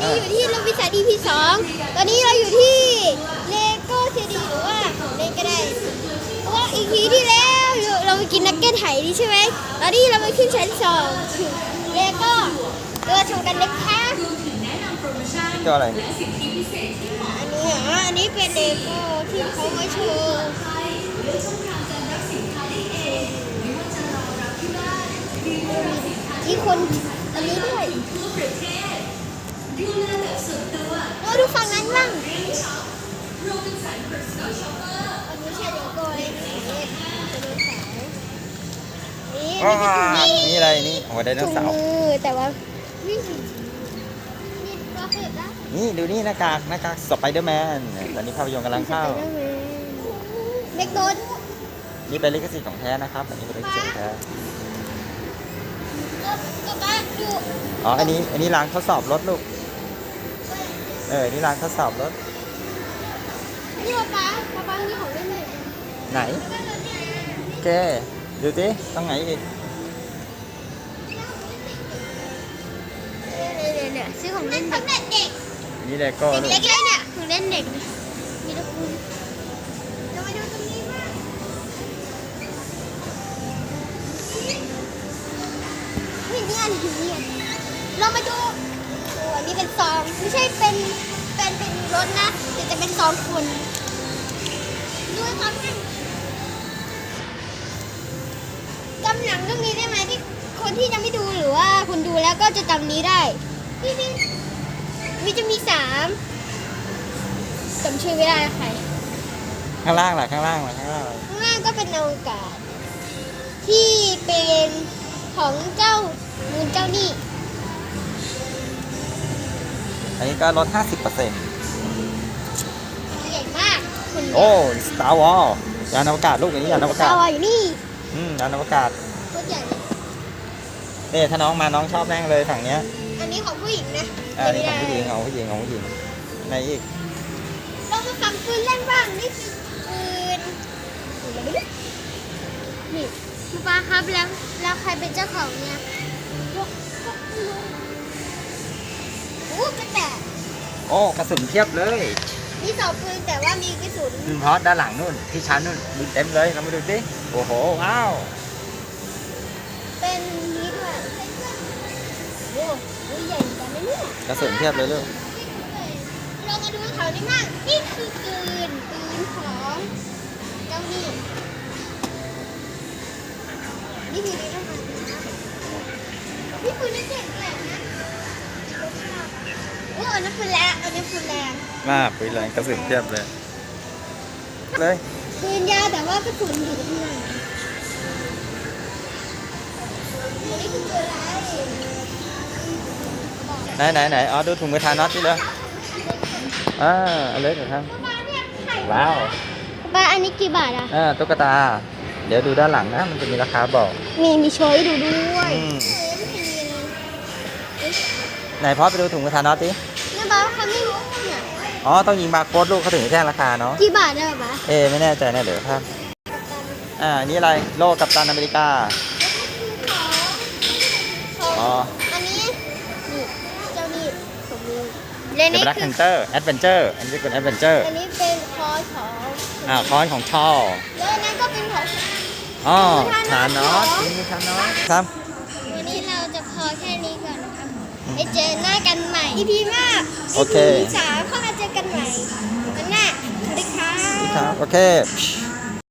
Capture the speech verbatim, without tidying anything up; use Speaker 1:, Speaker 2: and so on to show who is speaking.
Speaker 1: นี้อยู่ที่โรบินสัน อี พี สองตอนนี้เราอยู่ที่เลโก้ซีดีหรือว่าเล่นก็ได้เพราะว่าอีพีที่แล้วเราไปกินนักเก็ตไหนี่ใช่ไหมตอนนี้เราไปขึ้นชั้นสองถึงเลโก้ตัวชมกันเล็กแค่
Speaker 2: ตัวอะไร
Speaker 1: อันนี้เหรออันนี้เป็นเลโก้ที่เขามาโชว์มีคนอันนี้ด้วยเราดูฝั่งนั้นบ้างอันนี้ใช่เลโก้เลยนี่
Speaker 2: อ๋อ
Speaker 1: นี่
Speaker 2: นี่อะไรนี่โอ้ไดโน
Speaker 1: ถุง
Speaker 2: เสาร์
Speaker 1: มือแต่ว่านี่นี่ก็คือนะ
Speaker 2: นี่ดูนี่หน้ากากหน้ากากสไปเดอร์แมนตอนนี้ภาพยนตร์กำลังเข้า
Speaker 1: เล็กโดน
Speaker 2: นี่เป็นลิขสิทธิ์ของแท้นะครับอันนี้เป็นลิขสิทธิ์ของแท้
Speaker 1: ก็บ้าดู
Speaker 2: อ๋ออันนี้อันนี้ล้างทดสอบรถลูกเออนี่ล้างทดสอบรถ
Speaker 1: นี่ป๊าป๊าป๊าป๊านี่ของเล่นเลย
Speaker 2: ไหนโอเคดูสิต้องไหนอีก
Speaker 1: เนี่ยเนี่ยซื้อของเล่นเด็ก
Speaker 2: นี่เลโก้ลูก
Speaker 1: เด็กๆเลยเนี่ยของเล่นเด็กมีตะปูเรามาดูตรงนี้บ้างนี่นี่อันนี้นี่เรามาดูโอ้อันนี้เป็นซองไม่ใช่เป็นเป็นเป็นรถนะแต่จะเป็นซองคนดูความนั่นจำหนังเรื่องนี้ได้ไหมที่คนที่ยังไม่ดูหรือว่าคุณดูแล้วก็จะจำนี้ได้นี่นี่มีจะมีสามจำชื่อไม่ได้ใคร
Speaker 2: ข้างล่างล่ะข้างล่างล่ะข้างล่างล่ะ
Speaker 1: ข้างล่างก็เป็นอวกาศที่เป็นของเจ้ามูนเจ้านี่
Speaker 2: อันนี้ก็ลด ห้าสิบเปอร์เซ็นต์
Speaker 1: ใหญ่มากคุณ
Speaker 2: โอ้ Star Wars ยานอวกาศลูกอันนี้ยานอวกาศ
Speaker 1: เอาอยู่นี่
Speaker 2: อืมยานอวกาศ
Speaker 1: โคตรใหญ่เลย
Speaker 2: นี่ถ้าน้องมาน้องชอบแน่งเลยฝั่งเนี้ย
Speaker 1: อันนี้ของผู้หญิงนะ
Speaker 2: อ่านี่ของผู้หญิงของผู้หญิงของผู้หญิงไหนอีก
Speaker 1: เรามาฟังปืนเล่นบ้างนี่คือปืนนี่คุณป้าครับแล้วแล้วใครเป็นเจ้าของเนี่ยพวกพวกลุงโอ้กระแตก
Speaker 2: โอ้กระสุนเพียบเลย
Speaker 1: มีสองปืนแต่ว่ามีกระสุน
Speaker 2: อืมเพราะด้านหลังนู่นที่ชั้นนู่นมีเต็มเลยเรามาดูสิโอ้โหว้าว
Speaker 1: เป็นนี้ด้วยโอ้โหใหญ่จังเลยเนี่ย
Speaker 2: กระสุนเพียบเลยลูก
Speaker 1: เรามาดูเขานี่มั่งนี่คือปืนปืนของเจ้านี่นี่คือนี่นะคะนี่ปืนนี่เจ๋งเลยนะโอ้อันนั้นปืนแรงอันนี้ปืนแรง
Speaker 2: มากปืนแรงกระสุนเพียบเลยเลย
Speaker 1: ปืนยาวแต่ว่ากระสุนอยู่ที่ไหนนี่คือปืนอะไร
Speaker 2: ไหนไหนไหนอ๋อดูถุงมือทาน็อตนี่เลยอ่าเอาเลยเดี๋ยวทำว้าว
Speaker 1: ป้าอันนี้กี่บาทอ่ะ
Speaker 2: อ่าตุ๊กตา เดี๋ยวดูด้านหลังนะมันจะมีราคาบอก
Speaker 1: มีมีโชยดูด้วย
Speaker 2: อืมไหนพ่อไปดูถุงมือทาน็อตดิ
Speaker 1: เนี่ยป้าเขาไม่รู้เนี่ย
Speaker 2: อ๋อต้องยิงบาร์โค้ดลูกเขาถึงจะแจ้งราคาเนาะ
Speaker 1: กี่บาทได้ป้า
Speaker 2: เอ๊ะไม่แน่ใจนะเดี๋ยวครับอ่านี่อะไรโลกัปตันอเมริกาอ๋อ
Speaker 1: อันนี้นี่เจ้านี่ผมมี
Speaker 2: เดอะแบล็กแพนเตอร์แอดเวนเจอร์อันนี้เป็นแอดเวนเจอร์
Speaker 1: อันนี้เป็นคอของ
Speaker 2: อ่าคอนของชอ
Speaker 1: แล้วอันนั้นก็เป็นของ
Speaker 2: อ๋อทานอสถุงมือทานอสครับ
Speaker 1: วันนี้เราจะพอแค่นี้ก่อนนะครับไปเจอหน้ากันใหม่ อี พี หน้า
Speaker 2: โอเค
Speaker 1: อี พี สามเข้ามาเจอกันใหม่วันหน้าสวัสดีค่ะ
Speaker 2: ครับโอเค